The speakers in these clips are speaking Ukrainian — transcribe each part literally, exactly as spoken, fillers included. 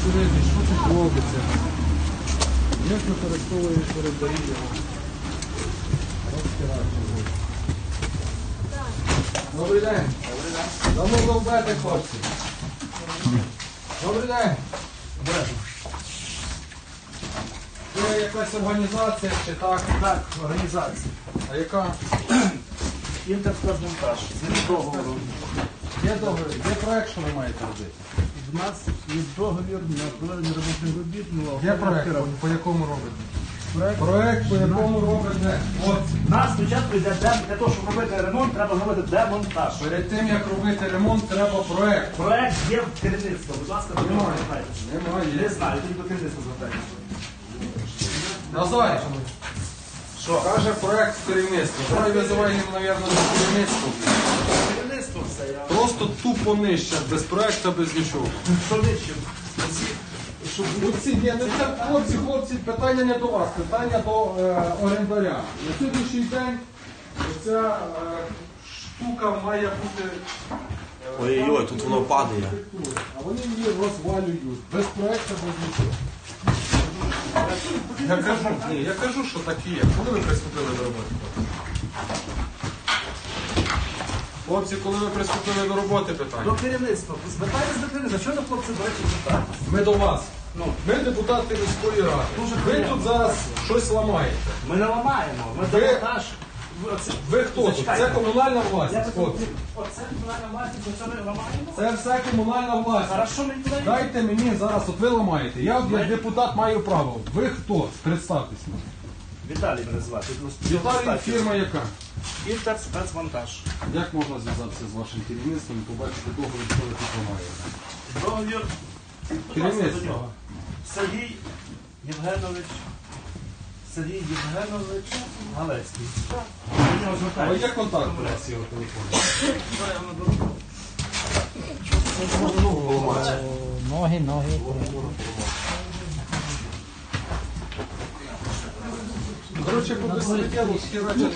посередині, що тут робиться, як використовуєш орендарі його. Добрий день. Добрий день. Давно довбете, хлопці. Добрий день. Це якась організація чи так? Так, організація. А яка? Інтерспецмонтаж. З договору. Є договір, є проект, що ви маєте робити? В нас є договір на проведення робочих робіт. Є проект, по якому робите? Проект, проект по якому робите? От. У нас спочатку йде дем- для того, щоб робити ремонт, треба робити демонтаж. Перед тим, як робити ремонт, треба проект. Проект є в керівництво. Будь ласка, до нього звертайтеся. Немає. Не знаю, тільки до керівництва звертайтеся. Назар, що? Каже проект в керівництво. Давай визивай їм, мабуть, на керівництво. Керівництво все, я... Просто тупо нижче, без проекту, без нічого. Що нижче? Оці, ні, ну це, хлопці, хлопці, питання не до вас, питання до е, орендаря. На сьогоднішній день ця е, штука має бути... е, Ой-ой-ой, тут воно падає. А вони її розвалюють, без проекту, без нічого. Я кажу, ні, я кажу, що так і є. Коли ви приступили до роботи? Хлопці, коли ви приступили до роботи, До питання? керівництва. Звертайтеся до керівництва. Чого до хлопців, до речі, звертайтеся? Ми до вас. Ну, Ми депутати міської ради. Дуже Ви приємно. тут зараз щось ламаєте. ми не ламаємо. Ми Ви- демонтаж. Ви, оце- Ви хто тут? Зачекайте. Це комунальна Я власність, так, хлопці. оце комунальна власність, оце ми ламаємо? Це все комунальна власність. Хорошо, ми туди. Дайте мені зараз, от ви ламаєте. Я от як депутат маю право. Ви хто? Представтесь. Віталій мене звати. Віталій, фірма яка? Інтерспецмонтаж. Як можна зв'язатися з вашим керівництвом і побачити договір, що ви тут ламаєте? Договір. Будь Керівництво. ласка, до нього. Сергій Євгенович. Сергій Євгенович Галецький. До нього А звертайтеся. є контакт у вас його телефону? Ноги, ноги. Коротше, по безсередньо схерачать.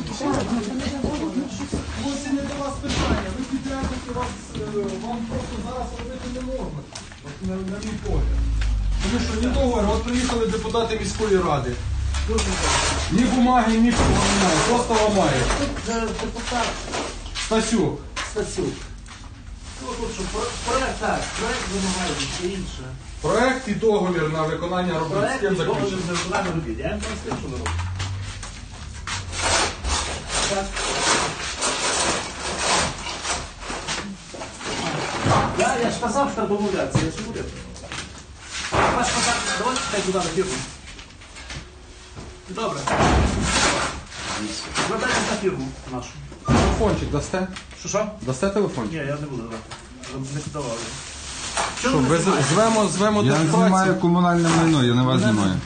Ось і не до вас питання. Ви підрядники, вас, е, вам просто зараз робити не можна. От на, на мій погляд. Тому що ні договор, от приїхали депутати міської ради. Ні бумаги, ні немає, просто ламає. Тут е, депутат Стасюк. Стасюк. Ну тут що, про- проект, так, проект вимагає все інше. Проект і договір на виконання робіт. З Проект ким і договір заключений? на виконання робіт. Я їм там скажу, що не роблю. Так. Я, я ж казав, що треба домовлятися, я ж уряд. Ваш контакт, давайте хай туди на фірму. Добре. Звертайтесь на фірму нашу. Телефончик дасте? Що, що? Дасте телефончик? Ні, я не буду давати. Не давали. Що Що, ви ви знімаєте? звемо, звемо Я держпрацю? знімаю комунальне майно, я на вас знімаю.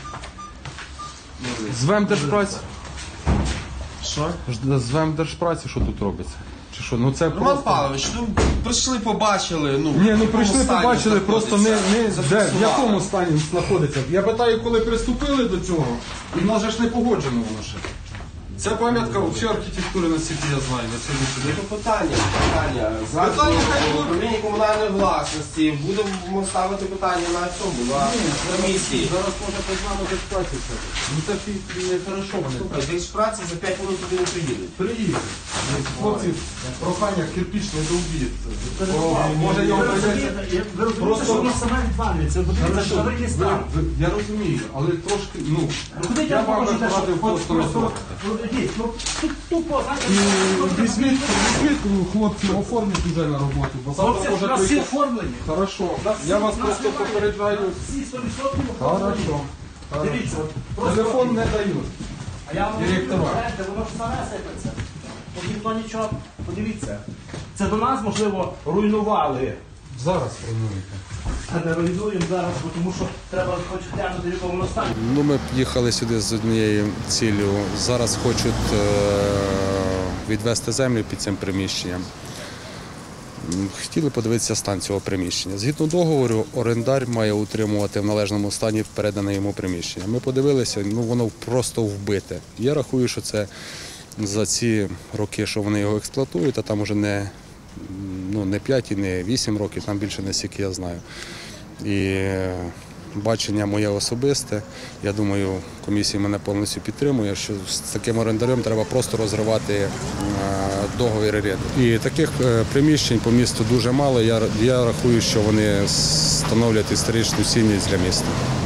Звем держпрацю? Що? Ж- Звем держпрацю, що тут робиться? Чи що? Ну це Роман просто... Павлович, ну прийшли, побачили, ну. Ні, ну в якому прийшли, стані побачили, просто не, не знаходиться, де, в зафіксували. якому стані знаходиться. Я питаю, коли приступили до цього, і в нас же ж не погоджено воно ще. Це пам'ятка взагалі архітектури, наскільки я знаю, на сьогоднішній день. Це питання, питання. Зараз Питання хай в будуть. управлінні комунальної власності будемо ставити питання на цьому, на комісії. Зараз може познати держпрацю. Ну це фі- не хорошо вони. Слухай, десь праці за п'ять хвилин туди не приїдуть. Приїдуть. Хлопці, прохання, кирпіч не довбіть. Може Ви його прийдеться... розумієте, ви розумієте, Просто- що воно саме відвалюється. Подивіться, Хорошо, що великий ви- стан. ви- Я розумію, але трошки, ну, Куди я я вам можу би порадив просто розробити. Ну, тут тупо, знаєте, Візьміть, візьміть, хлопці, оформіть вже на роботу, бо завтра хлопці, може у нас всі прийти. оформлені. Хорошо, нас я всі- вас нас просто немає. попереджаю. Всі сто відсотків оформлені. Хорошо. Дивіться, от просто... Телефон не дають. А я вам Директора. говорю, знаєте, воно ж саме сипеться. От ніхто нічого, подивіться. Це до нас, можливо, руйнували. Зараз плануєте. А не руйнуємо зараз, бо тому що треба хоч глянути, в якому воно стані. Ну, ми їхали сюди з однією ціллю. Зараз хочуть е, відвести землю під цим приміщенням. М, Хотіли подивитися стан цього приміщення. Згідно договору, орендар має утримувати в належному стані передане йому приміщення. Ми подивилися, ну воно просто вбите. Я рахую, що це за ці роки, що вони його експлуатують, а там уже не, ну, не п'ять і не вісім років, там більше не стільки я знаю. І бачення моє особисте. Я думаю, комісія мене повністю підтримує, що з таким орендарем треба просто розривати е, договір оренди. І таких е, приміщень по місту дуже мало. Я, я рахую, що вони становлять історичну цінність для міста.